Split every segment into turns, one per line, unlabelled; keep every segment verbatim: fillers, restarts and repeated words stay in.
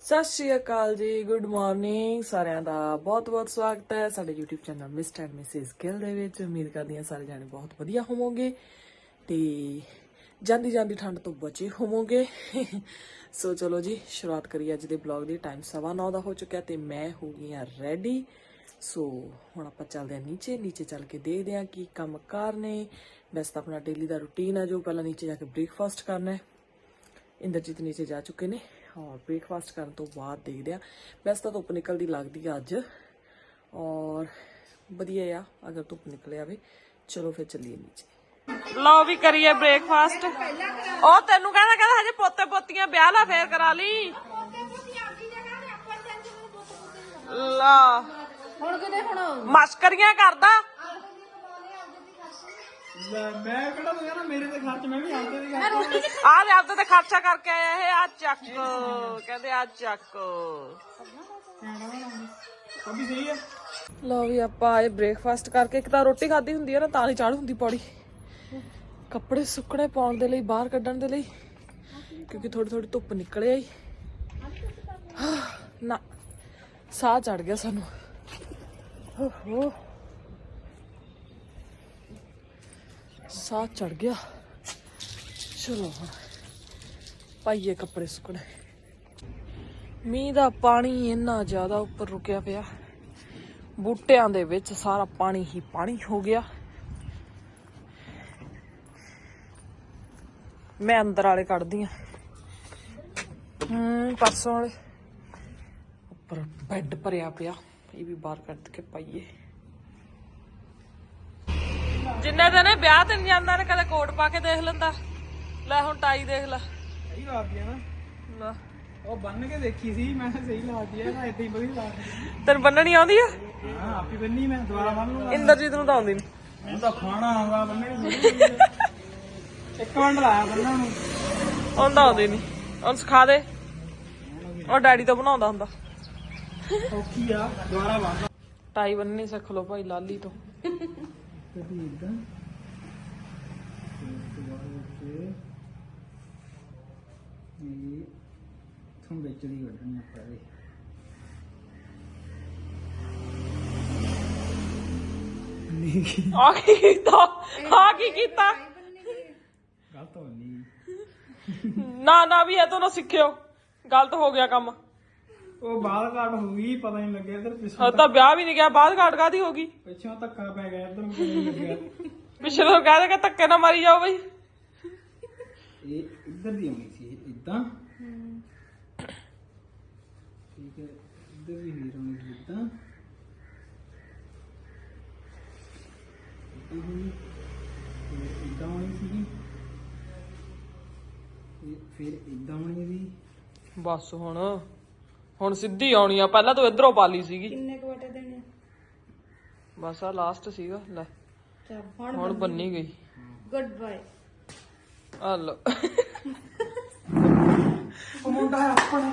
ਸਤਿ ਸ਼੍ਰੀ ਅਕਾਲ ਜੀ, good morning ਸਾਰਿਆਂ ਦਾ ਬਹੁਤ ਬਹੁਤ ਸਵਾਗਤ ਹੈ ਸਾਡੇ YouTube channel mister and missus Gill ਦੇ ਵਿੱਚ। ਉਮੀਦ ਕਰਦੀ ਹਾਂ ਸਾਰੇ ਜਾਣੇ ਬਹੁਤ ਵਧੀਆ ਹੋਵੋਗੇ ਤੇ ਜਾਂਦੀ ਜਾਂਦੀ ਠੰਡ ਤੋਂ ਬਚੇ ਹੋਵੋਗੇ। ਸੋ ਚਲੋ ਜੀ ਸ਼ੁਰੂਆਤ ਕਰੀਏ ਅੱਜ ਦੇ ਬਲੌਗ ਦੀ। ਟਾਈਮ ਸਵਾ ਨੌ ਦਾ ਹੋ ਚੁੱਕਿਆ ਤੇ ਮੈਂ ਹੋ ਗਈ ਹਾਂ ਰੈਡੀ। ਸੋ ਹੁਣ ਆਪਾਂ ਚੱਲਦੇ ਹਾਂ ਨੀਚੇ ਨੀਚੇ ਚੱਲ ਕੇ ਦੇਖਦੇ ਹਾਂ ਕੀ ਕੰਮ ਕਾਰ ਨੇ। ਵੈਸੇ ਤਾਂ ਆਪਣਾ ਡੇਲੀ ਦਾ ਰੂਟੀਨ ਹੈ ਜੋ ਪਹਿਲਾਂ ਨੀਚੇ ਜਾ ਕੇ ਬ੍ਰੇਕਫਾਸਟ ਕਰਨਾ ਹੈ। ਇੰਦਰਜੀਤ ਨੀਚੇ ਜਾ ਚੁੱਕੇ ਨੇ और ब्रेकफास्ट करने तो बाद देखते हैं। वैसे तो धुप निकलती लगती है अज और वधिया आ अगर धुप निकले आवे। चलो फिर चलिए नीचे। लो भी करिए ब्रेकफास्ट। ओ तेनू कहना कहना हजे पोते पोतियां ब्याह ला फेर करा ली ला हुण किते हुण मस्करियां करदा। मैं कहना तो यार मेरे ते खर्च मैं भी आंदे दी आ ले आपते ते खर्चा करके आया है। आ चक कहंदे आ चक अभी सही है। लो भी ਆਪਾਂ ਆਏ ਬ੍ਰੇਕਫਾਸਟ ਕਰਕੇ। ਇੱਕ ਤਾਂ ਰੋਟੀ ਖਾਦੀ ਹੁੰਦੀ ਹੈ ਨਾ ਤਾਂ ਨਹੀਂ ਚਾੜ ਹੁੰਦੀ ਪੌੜੀ। ਕੱਪੜੇ ਸੁੱਕਣੇ ਪਾਉਣ ਦੇ ਲਈ ਬਾਹਰ ਕੱਢਣ ਦੇ ਲਈ ਕਿਉਂਕਿ ਥੋੜੀ ਥੋੜੀ ਧੁੱਪ ਨਿਕਲ ਆਈ ਨਾ ਸਾਹ ਚੜ ਗਿਆ ਸਾਨੂੰ। ਓਹੋ ਸਾਹ ਚੜ ਗਿਆ। ਚਲੋ ਹੁਣ ਪਾਈਏ ਕੱਪੜੇ ਸੁੱਕਣੇ। ਮੀਂਹ ਦਾ ਪਾਣੀ ਇੰਨਾ ਜ਼ਿਆਦਾ ਉੱਪਰ ਰੁਕਿਆ ਪਿਆ, ਬੂਟਿਆਂ ਦੇ ਵਿੱਚ ਸਾਰਾ ਪਾਣੀ ਹੀ ਪਾਣੀ ਹੋ ਗਿਆ। ਮੈਂ ਅੰਦਰ ਵਾਲੇ ਕੱਢਦੀ ਆ ਹਮ ਪਰਸੋਂ ਵਾਲੇ। ਉੱਪਰ ਬੈੱਡ ਭਰਿਆ ਪਿਆ, ਇਹ ਵੀ ਬਾਹਰ ਕੱਢ ਕੇ ਪਾਈਏ। ਜਿੰਨੇ ਦਿਨ ਵਿਆਹ ਤੇ ਨਹੀਂ ਜਾਂਦਾ ਨੇ ਕਦੇ ਕੋਟ ਪਾ ਕੇ ਦੇਖ ਲੈਂਦਾ। ਲੈ ਹੁਣ ਟਾਈ ਦੇਖ ਲੈ। ਸਹੀ ਲਾਤੀ ਆ ਨਾ। ਲੈ ਉਹ ਬੰਨ ਕੇ ਦੇਖੀ ਸੀ ਮੈਂ, ਸਹੀ ਲਾਤੀ ਆ ਨਾ। ਇਦਾਂ ਹੀ ਵਧੀਆ ਲਾਤੀ। ਤੈਨੂੰ ਬੰਨਣੀ ਆਉਂਦੀ ਆ? ਹਾਂ ਆਪੀ ਬੰਨੀ ਮੈਂ, ਦੁਬਾਰਾ ਬੰਨ ਲੂੰਗਾ। ਇੰਦਰਜੀਤ ਨੂੰ ਤਾਂ ਆਉਂਦੀ ਨਹੀਂ। ਮੈਨੂੰ ਤਾਂ ਖਾਣਾ ਆਉਂਦਾ ਬੰਨਣੀ। ਇੱਕ ਮਿੰਟ ਲਾਇਆ ਬੰਨਣ ਨੂੰ। ਉਹਨੂੰ ਤਾਂ ਆਉਂਦੀ ਨਹੀਂ, ਉਹਨੂੰ ਸਿਖਾ ਦੇ। ਉਹ ਡੈਡੀ ਤੋਂ ਬਣਾਉਂਦਾ ਹੁੰਦਾ। ਔਖੀ ਆ, ਦੁਬਾਰਾ ਬੰਨ। ਟਾਈ ਬੰਨਣੀ ਸਿੱਖ ਲਓ ਭਾਈ ਲਾਲੀ ਤੋਂ। कभी एकदम थों बेच दी कढ़नी अपने आ की कीता आ की कीता गलत हो नहीं ना ना भी है तो ना सीखियो। गलत हो गया काम। ਉਹ ਬਾਲ ਘਾਟ ਹੋ ਗਈ, ਪਤਾ ਨਹੀਂ ਲੱਗਿਆ। ਇਧਰ ਪਿੱਛੇ ਤਾਂ ਵਿਆਹ ਵੀ ਨਹੀਂ ਗਿਆ, ਬਾਲ ਘਾਟ ਕਾਦੀ ਹੋ ਗਈ? ਪਿੱਛੋਂ ਧੱਕਾ ਪੈ ਗਿਆ, ਇਧਰ ਨਹੀਂ ਲੱਗਿਆ। ਪਿੱਛੇ ਤੋਂ ਕਹਿ ਦੇ ਕਿ ਧੱਕੇ ਨਾ ਮਾਰੀ ਜਾਓ ਬਈ। ਇਹ ਇੱਧਰ ਦੀ ਆਉਣੀ ਸੀ ਇਦਾਂ, ਠੀਕ ਹੈ। ਇੱਧਰ ਵੀ ਹੀਰ ਆਉਣੀ ਸੀ ਇਦਾਂ, ਇਦਾਂ ਆਉਣੀ ਸੀਗੀ, ਫਿਰ ਇਦਾਂ ਆਉਣੀ ਸੀ। ਬਸ ਹੁਣ ਹੁਣ ਸਿੱਧੀ ਆਉਣੀ ਆ। ਪਹਿਲਾਂ ਤੂੰ ਇਧਰੋਂ ਪਾ ਲਈ ਸੀਗੀ। ਕਿੰਨੇ ਕੁ ਵਟੇ ਦੇਣੇ? ਬਸ ਆ ਲਾਸਟ ਸੀਗਾ। ਲੈ ਹੁਣ ਬੰਨੀ ਗਈ। Good bye. ਆ ਲੋ ਉਹ ਮੁੰਡਾ ਆਪਣਾ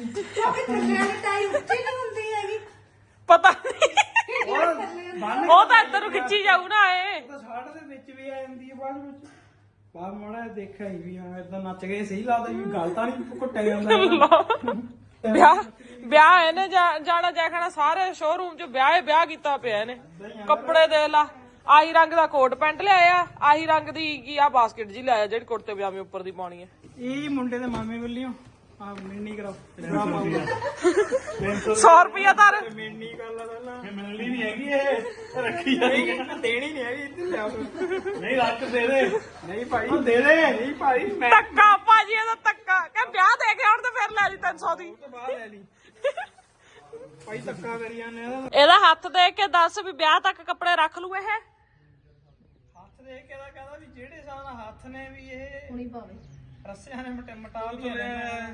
ਪਤਾ ਨਹੀਂ ਉਹ ਤਾਂ ਇੱਧਰ ਨੂੰ ਖਿੱਚੀ ਜਾਊ ਨਾ। ਇਹ ਤਾਂ ਸ਼ਾਰਟ ਦੇ ਵਿੱਚ ਵੀ ਆ ਜਾਂਦੀ ਹੈ ਬਾਅਦ ਵਿੱਚ। ਬਾਅਦ ਮਾੜਾ ਦੇਖਿਆ ਹੀ ਵੀ ਹਾਂ ਏਦਾਂ ਨੱਚ ਗਏ, ਸਹੀ ਲੱਗਦਾ ਵੀ ਗੱਲ ਤਾਂ ਨਹੀਂ ਘੁੱਟਿਆ ਜਾਂਦਾ। ਵਿਆਹ ਵਿਆਹ ਇਹਨੇ ਜਾਣਾ ਜਾਖਣਾ ਸਾਰੇ ਸ਼ੋਰੂਮ ਚ ਵਿਆਹ ਵਿਆਹ ਕੀਤਾ ਪਿਆ ਇਹਨੇ। ਕੱਪੜੇ ਦੇਖ ਲਾ, ਆਹੀ ਰੰਗ ਦਾ ਕੋਟ ਪੈਂਟ ਲਿਆਇਆ, ਆਹੀ ਰੰਗ ਦੀ ਕੀ ਆ ਬਾਸਕਟ ਜੀ ਲਿਆਇਆ ਜਿਹੜੀ ਕੁੜਤੇ ਪਜਾਮੇ ਉੱਪਰ ਦੀ ਪਾਉਣੀ ਹੈ। ਇਹ ਮੁੰਡੇ ਦੇ ਮਾਮੇ ਵੱਲੋਂ ਆ ਮਿਲਣੀ ਕਰਾਓ। ਸੌ ਰੁਪਇਆ ਧਰ ਮਿਲਣੀ ਕਰ ਲਾ। ਪਹਿਲਾਂ ਮਿਲਣੀ ਨਹੀਂ ਹੈਗੀ, ਇਹ ਰੱਖੀ ਜਾਏਗੀ। ਦੇਣੀ ਨਹੀਂ ਹੈਗੀ। ਇੱਧਰ ਲਿਆਓ। ਨਹੀਂ ਰੱਖ ਦੇ ਦੇ। ਨਹੀਂ ਭਾਈ ਦੇ ਦੇ। ਨਹੀਂ ਭਾਈ ਮੈਂ ਧੱਕਾ ਭਾਜੀ ਇਹਦਾ ਧੱਕਾ ਕਿ ਵਿਆਹ ਦੇ ਕੇ ਆਉਣ ਤੇ ਫਿਰ ਲੈ ਲਈ ਤਿੰਨ ਸੌ ਦੀ। ਬਾਹਰ ਲੈ ਲਈ ਭਾਈ, ਧੱਕਾ ਕਰੀ ਜਾਂਦੇ ਆ। ਇਹਦਾ ਹੱਥ ਦੇਖ ਕੇ ਦੱਸ ਵੀ ਵਿਆਹ ਤੱਕ ਕੱਪੜੇ ਰੱਖ ਲੂ। ਇਹ ਹੱਥ ਦੇਖ ਕੇ ਦਾ ਕਹਿੰਦਾ ਵੀ ਜਿਹੜੇ ਹਿਸਾਬ ਨਾਲ ਹੱਥ ਨੇ ਵੀ ਇਹ ਹੁਣੀ ਪਾਵੇ। ਰੱਸਿਆਂ ਨੇ ਮਟੇ ਮਟਾਲ ਕੇ ਲੈ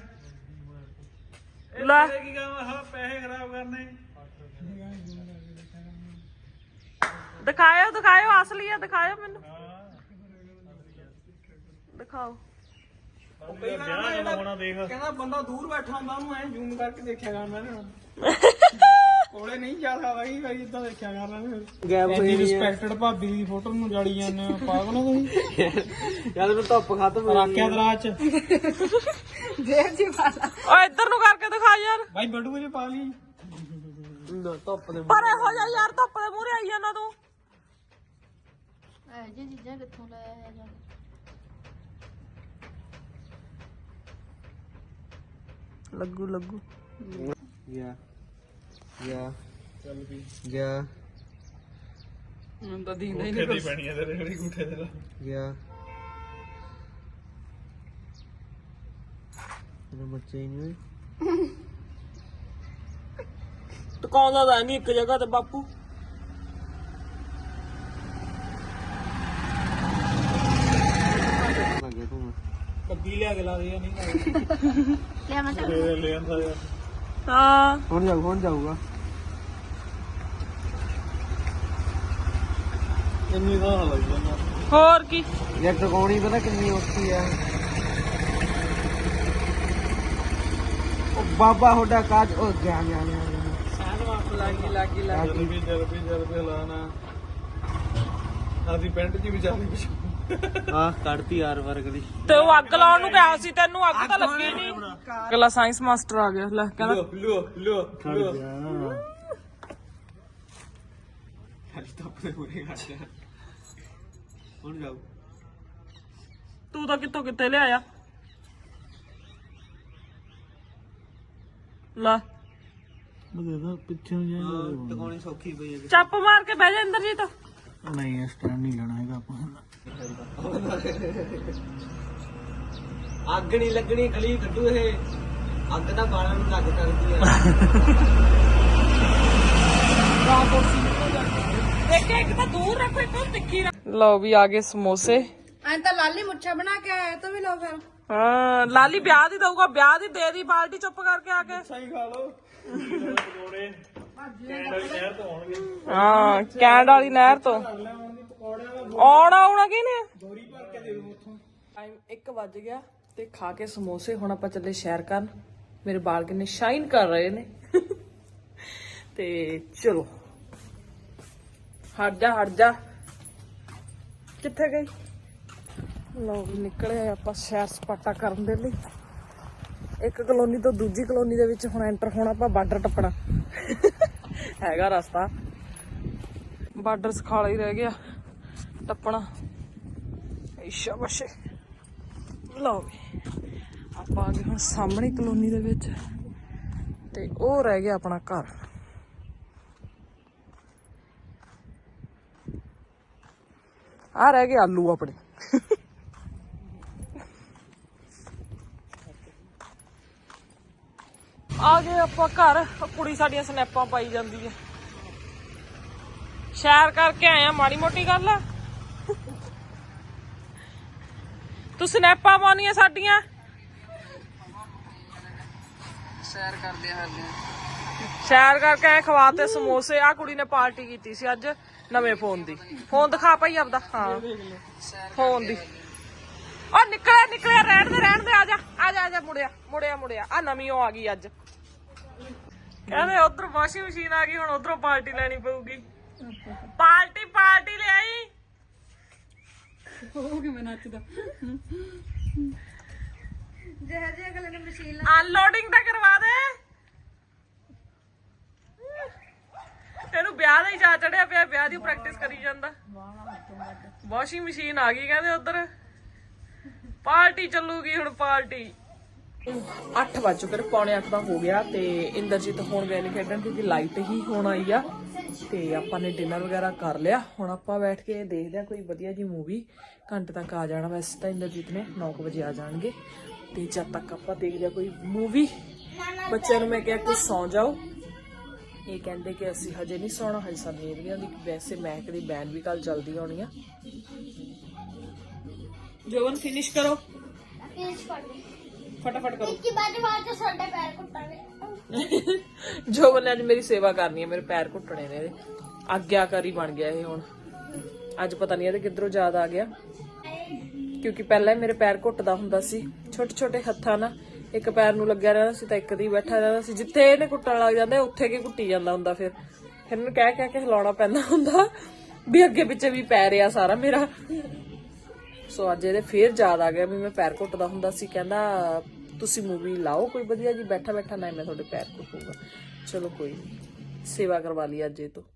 ਕੀ ਕੰਮ ਆ? ਪੈਸੇ ਖਰਾਬ ਕਰਨੇ। ਦਿਖਾਇਓ ਦਿਖਾਇਓ ਅਸਲੀ ਆ, ਦਿਖਾਇਓ ਮੈਨੂੰ ਦਿਖਾਓ। ਕਹਿੰਦਾ ਬੰਦਾ ਦੂਰ ਬੈਠਾ ਹੁੰਦਾ ਉਹਨੂੰ ਐ ਜ਼ੂਮ ਕਰਕੇ ਦੇਖਿਆ ਕਰਨਾ। ਕੋਲੇ ਨਹੀਂ ਜਾ ਸਕਦਾ ਕਈ ਵਾਰੀ ਇਦਾਂ ਦੇਖਿਆ ਕਰਨਾ। ਗੈਪ ਹੋਈ ਰਿਸਪੈਕਟਡ ਭਾਬੀ ਦੀ ਫੋਟੋ ਨੂੰ ਜਾਲੀ ਜਾਂਦੇ ਪਾਗਲ ਹੋ ਤੁਸੀਂ। ਯਾਰ ਮੈਨੂੰ ਧੁੱਪ ਖਤਮ ਹੋ ਗਈ। ਰੱਖਿਆ ਦਰਾਜ ਚ
ਦੇਵ ਜੀ ਵਾਲਾ
ਓ ਇੱਧਰ ਨੂੰ ਕਰਕੇ ਦਿਖਾ ਯਾਰ
ਭਾਈ ਬਟੂਏ ਚ ਪਾ ਲਈ ਧੁੱਪ ਦੇ
ਪਰ ਇਹੋ ਜਿਹਾ ਯਾਰ ਧੁੱਪ ਦੇ ਮੂਹਰੇ ਆਈ ਜਾਂਦਾ ਤੂੰ
ਇਹ ਜੀ ਚੀਜ਼ਾਂ ਕਿੱਥੋਂ ਲੈ ਆਇਆ ਜਾ
ਲੱਗੂ ਲੱਗੂ
ਗਿਆ ਗਿਆ ਚੱਲ ਵੀ ਗਿਆ
ਮੈਨੂੰ ਤਾਂ ਦੀਂਦਾ ਹੀ ਨਹੀਂ ਕੁਛ।
ਪੈਣੀ ਆ ਤੇਰੇ ਜਿਹੜੀ ਗੁੱਠੇ ਤੇ ਗਿਆ ਤੇਰੇ ਬੱਚੇ ਹੀ ਨਹੀਂ ਹੋਏ
ਟਿਕਾਉਂਦਾ ਤਾਂ ਨਹੀਂ ਇੱਕ ਜਗ੍ਹਾ ਤੇ ਬਾਪੂ
ਲੱਗੇ ਤੂੰ
ਕੱਬੀ ਲਿਆ ਕੇ ਲਾ ਦੇ ਨਹੀਂ
ਲੈ ਮੈਂ ਚੱਲ
ਲੈ ਆਂਦਾ ਯਾਰ
ਹਾਂ
ਹੁਣ ਜਾਊ ਹੁਣ ਜਾਊਗਾ ਇੰਨੀ ਦਾ ਲੱਗ ਜਾਂਦਾ
ਹੋਰ ਕੀ
ਯਾਰ ਟਿਕਾਉਣੀ ਪਤਾ ਕਿੰਨੀ ਔਖੀ ਆ ਉਹ ਬਾਬਾ ਹੋਡਾ ਕਾਜ ਉਹ ਗਿਆ ਗਿਆ ਗਿਆ
ਸਾਨ ਵਾਪ ਲਾਗੀ ਲਾਗੀ ਲਾਗੀ
ਜਰਬੀ ਜਰਬੀ ਜਰਬੀ ਹਲਾਣਾ ਆਦੀ ਪੈਂਟ ਜੀ ਵਿਚਾਰੀ ਪਿਛ ਹਾਂ ਕੱਢਤੀ ਯਾਰ ਵਰਗ ਦੀ
ਤੇ ਉਹ ਅੱਗ ਲਾਉਣ ਨੂੰ ਕਿਹਾ ਸੀ ਤੈਨੂੰ ਅੱਗ ਤਾਂ ਲੱਗੀ ਨਹੀਂ ਅਗਲਾ ਸਾਇੰਸ ਮਾਸਟਰ ਆ ਗਿਆ ਲੈ ਕਹਿੰਦਾ
ਲੋ ਲੋ ਲੋ ਹਲ ਤੱਪ ਦੇ ਪੂਰੇ ਘਾਟਾ ਹੁਣ ਜਾਓ
ਤੂੰ ਤਾਂ ਕਿੱਥੋਂ ਕਿੱਥੇ ਲਿਆਇਆ ਲਾ
ਬਦੇ ਪਿੱਛੇ ਨੂੰ ਜਾਣਾ ਟਿਕਾਉਣੀ ਸੌਖੀ ਪਈ ਹੈ
ਚੱਪ ਮਾਰ ਕੇ ਬਹਿ ਜਾ ਇੰਦਰਜੀਤ
ਨਹੀਂ ਇਸ ਟਾਈਮ ਨਹੀਂ ਲੈਣਾ ਹੈਗਾ ਆਪਾਂ ਅੱਗ ਨਹੀਂ ਲੱਗਣੀ ਖਲੀ ਕੱਢੂ ਇਹ ਅੱਗ ਤਾਂ ਬਾਲਾਂ ਨੂੰ ਲੱਗ ਕਰਦੀ ਆ
ਦੇਖ ਇੱਕ ਤਾਂ ਦੂਰ ਰੱਖੋ ਇੱਕ ਤਾਂ ਤਿੱਖੀ ਰੱਖ ਲਓ ਵੀ ਆ ਗਏ ਸਮੋਸੇ
ਐਂ ਤਾਂ ਲਾਲੀ ਮੁੱਛਾ ਬਣਾ ਕੇ ਆਇਆ ਤੂੰ ਵੀ ਲੋ ਫਿਰ
ਹਾਂ ਲਾਲੀ ਵਿਆਹ ਦੀ ਦਊਗਾ ਵਿਆਹ ਦੀ ਦੇ ਦੀ ਬਾਲਟੀ ਚੁੱਪ ਕਰਕੇ ਆ ਕੇ
ਸਹੀ ਖਾ ਲਓ ਪਕੌੜੇ ਕੈਂਡਲ ਸ਼ਹਿਰ ਤੋਂ ਆਉਣਗੇ
ਹਾਂ ਕੈਂਡ ਵਾਲੀ ਨਹਿਰ ਤੋਂ ਆਉਣਾ ਆਉਣਾ ਕਿਨੇ
ਦੋਰੀ ਭਰ ਕੇ ਦੇ ਦੂੰ ਉੱਥੋਂ
ਟਾਈਮ ਇੱਕ ਵੱਜ ਗਿਆ ਤੇ ਖਾ ਕੇ ਸਮੋਸੇ ਹੁਣ ਆਪਾਂ ਚੱਲੇ ਸ਼ਹਿਰ ਕਰਨ ਮੇਰੇ ਬਾਲ ਕਿੰਨੇ ਸ਼ਾਈਨ ਕਰ ਰਹੇ ਨੇ ਤੇ ਚਲੋ ਹਟ ਜਾ ਹਟ ਜਾ ਕਿੱਥੇ ਗਈ ਲਓ ਵੀ ਨਿਕਲੇ ਆਪਾਂ ਸ਼ਹਿਰ ਸਪਾਟਾ ਕਰਨ ਦੇ ਲਈ ਇੱਕ ਕਲੋਨੀ ਤੋਂ ਦੂਜੀ ਕਲੋਨੀ ਦੇ ਵਿੱਚ ਹੁਣ ਐਂਟਰ ਹੋਣਾ ਆਪਾਂ ਬਾਰਡਰ ਟੱਪਣਾ ਹੈਗਾ ਰਸਤਾ ਬਾਰਡਰ ਸਖਾਲਾ ਹੀ ਰਹਿ ਗਿਆ ਟੱਪਣਾ ਇਸ਼ਾ ਬਸ਼ੇ ਲਓ ਵੀ ਆਪਾਂ ਆ ਗਏ ਹੁਣ ਸਾਹਮਣੇ ਕਲੋਨੀ ਦੇ ਵਿੱਚ ਤੇ ਉਹ ਰਹਿ ਗਿਆ ਆਪਣਾ ਘਰ ਆ ਰਹਿ ਗਏ ਆਲੂ ਆਪਣੇ ਆ ਗਏ ਆਪਾਂ ਘਰ ਕੁੜੀ ਸਾਡੀਆਂ ਸਨੈਪਾਂ ਪਾਈ ਜਾਂਦੀ ਹੈ ਸ਼ੇਅਰ ਕਰਕੇ ਆਏ ਆ ਮਾੜੀ ਮੋਟੀ ਗੱਲ ਆ ਤੂੰ ਸਨੈਪਾਂ ਪਾਉਣੀਆਂ ਸਾਡੀਆਂ ਸ਼ੇਅਰ ਕਰਦੇ ਆ ਹਾਲੇ ਸ਼ੇਅਰ ਕਰਕੇ ਆਏ ਖਵਾਤੇ ਸਮੋਸੇ ਆ ਕੁੜੀ ਨੇ ਪਾਰਟੀ ਕੀਤੀ ਸੀ ਅੱਜ ਨਵੇਂ ਫੋਨ ਦੀ ਫੋਨ ਦਿਖਾ ਭਾਈ ਆਪਦਾ ਹਾਂ ਫੋਨ ਦੀ ਉਹ ਨਿਕਲਿਆ ਨਿਕਲਿਆ ਰਹਿਣ ਦੇ ਰਹਿਣ ਦੇ ਆ ਜਾ ਆ ਜਾ ਆ ਜਾ ਮੁੜਿਆ ਮੁੜਿਆ ਮੁੜਿਆ ਆ ਨਵੀਂ ਉਹ ਆ ਗਈ ਅੱਜ ਕਹਿੰਦੇ ਉਧਰ ਵਾਸ਼ਿੰਗ ਮਸ਼ੀਨ ਆ ਗਈ ਹੁਣ ਉਧਰੋਂ ਪਾਰਟੀ ਲੈਣੀ ਪਊਗੀ ਪਾਰਟੀ ਪਾਰਟੀ ਲੈ ਆਈ
ਹੋ ਕਿਵੇਂ ਨੱਚਦਾ ਜਿਹੇ ਜਿਹੇ ਅਗਲੇ ਨੇ ਮਸ਼ੀਨ
ਅਨਲੋਡਿੰਗ ਤਾਂ ਕਰਵਾ ਦੇ ਇਹਨੂੰ ਵਿਆਹ ਦਾ ਹੀ ਜਾ ਚੜਿਆ ਪਿਆ ਵਿਆਹ ਦੀ ਪ੍ਰੈਕਟਿਸ ਕਰੀ ਜਾਂਦਾ ਵਾਸ਼ਿੰਗ ਮਸ਼ੀਨ ਆ ਗਈ ਕਹਿੰਦੇ ਉਧਰ ਪਾਰਟੀ ਚੱਲੂਗੀ ਹੁਣ ਪਾਰਟੀ ਅੱਠ ਵੱਜ ਚੁੱਕੇ ਨੇ ਪੌਣੇ ਅੱਠ ਦਾ ਹੋ ਗਿਆ ਤੇ ਇੰਦਰਜੀਤ ਹੁਣ ਗਏ ਨੇ ਖੇਡਣ ਕਿਉਂਕਿ ਲਾਈਟ ਹੀ ਹੁਣ ਆਈ ਆ ਤੇ ਆਪਾਂ ਨੇ ਡਿਨਰ ਵਗੈਰਾ ਕਰ ਲਿਆ ਹੁਣ ਆਪਾਂ ਬੈਠ ਕੇ ਦੇਖਦੇ ਆ ਕੋਈ ਵਧੀਆ ਜੀ ਮੂਵੀ ਘੰਟੇ ਤੱਕ ਆ ਜਾਣਾ ਵੈਸੇ ਤਾਂ ਇੰਦਰਜੀਤ ਨੇ ਨੌ ਵਜੇ ਆ ਜਾਣਗੇ ਤੇ ਜਦ ਤੱਕ ਆਪਾਂ ਦੇਖਦੇ ਆ ਕੋਈ ਮੂਵੀ ਬੱਚਿਆਂ ਨੂੰ ਮੈਂ ਕਿਹਾ ਕਿ ਸੌਂ ਜਾਓ ਇਹ ਕਹਿੰਦੇ ਕਿ ਅਸੀਂ ਹਜੇ ਨਹੀਂ ਸੌਣਾ ਹਜੇ ਸਾਨੂੰ ਨੀਂਦ ਨਹੀਂ ਆਉਂਦੀ ਵੈਸੇ ਮਹਿਕ ਦੀ ਬੈਨ ਵੀ ਕੱਲ ਜਲਦੀ ਆਉਣੀ ਆ ਜੋਵਨ ਫਿਨਿਸ਼ ਕਰੋ ਫਟਾਫਟ ਕਰੋ
ਕਿ ਬਾਅਦ ਬਾਅਦ ਛੋਟੇ ਪੈਰ ਕੁੱਟਾਂਗੇ
ਜੋਵਨ ਨੇ ਅੱਜ ਮੇਰੀ ਸੇਵਾ ਕਰਨੀ ਹੈ ਮੇਰੇ ਪੈਰ ਘੁੱਟਣੇ ਨੇ ਇਹਦੇ ਆਗਿਆਕਾਰੀ ਬਣ ਗਿਆ ਇਹ ਹੁਣ ਅੱਜ ਪਤਾ ਨਹੀਂ ਇਹਦੇ ਕਿੱਧਰੋਂ ਯਾਦ ਆ ਗਿਆ ਕਿਉਂਕਿ ਪਹਿਲਾਂ ਹੀ ਮੇਰੇ ਪੈਰ ਘੁੱਟਦਾ ਹੁੰਦਾ ਸੀ ਛੋਟੇ ਛੋਟੇ ਹੱਥਾਂ ਨਾਲ ਇੱਕ ਪੈਰ ਨੂੰ ਲੱਗਿਆ ਰਹਿੰਦਾ ਸੀ ਤਾਂ ਇੱਕ ਦੀ ਬੈਠਾ ਰਹਿੰਦਾ ਸੀ ਜਿੱਥੇ ਇਹਨੇ ਕੁੱਟਣ ਲੱਗ ਜਾਂਦਾ ਉੱਥੇ ਕੀ ਕੁੱਟੀ ਜਾਂਦਾ ਹੁੰਦਾ ਫਿਰ ਫਿਰ ਇਹਨੂੰ ਕਹਿ ਕਹਿ ਕੇ ਹਿਲਾਉਣਾ ਪੈਂਦਾ ਹੁੰਦਾ ਵੀ ਅੱਗੇ ਪਿੱਛੇ ਵੀ ਪੈਰ ਆ ਸਾਰਾ ਮੇਰਾ ਸੋ ਅੱਜ ਇਹਦੇ ਫੇਰ ਯਾਦ ਆ ਗਿਆ ਵੀ ਮੈਂ ਪੈਰ ਘੁੱਟਦਾ ਹੁੰਦਾ ਸੀ ਕਹਿੰਦਾ ਤੁਸੀਂ ਮੂਵੀ ਲਾਓ ਕੋਈ ਵਧੀਆ ਜੀ, ਬੈਠਾ ਬੈਠਾ ਨਾ ਮੈਂ ਤੁਹਾਡੇ ਪੈਰ ਕੁੱਟੂਗਾ। ਚਲੋ ਕੋਈ ਨਹੀਂ, ਸੇਵਾ ਕਰਵਾ ਲਈ ਅੱਜ ਇਹ ਤੋਂ।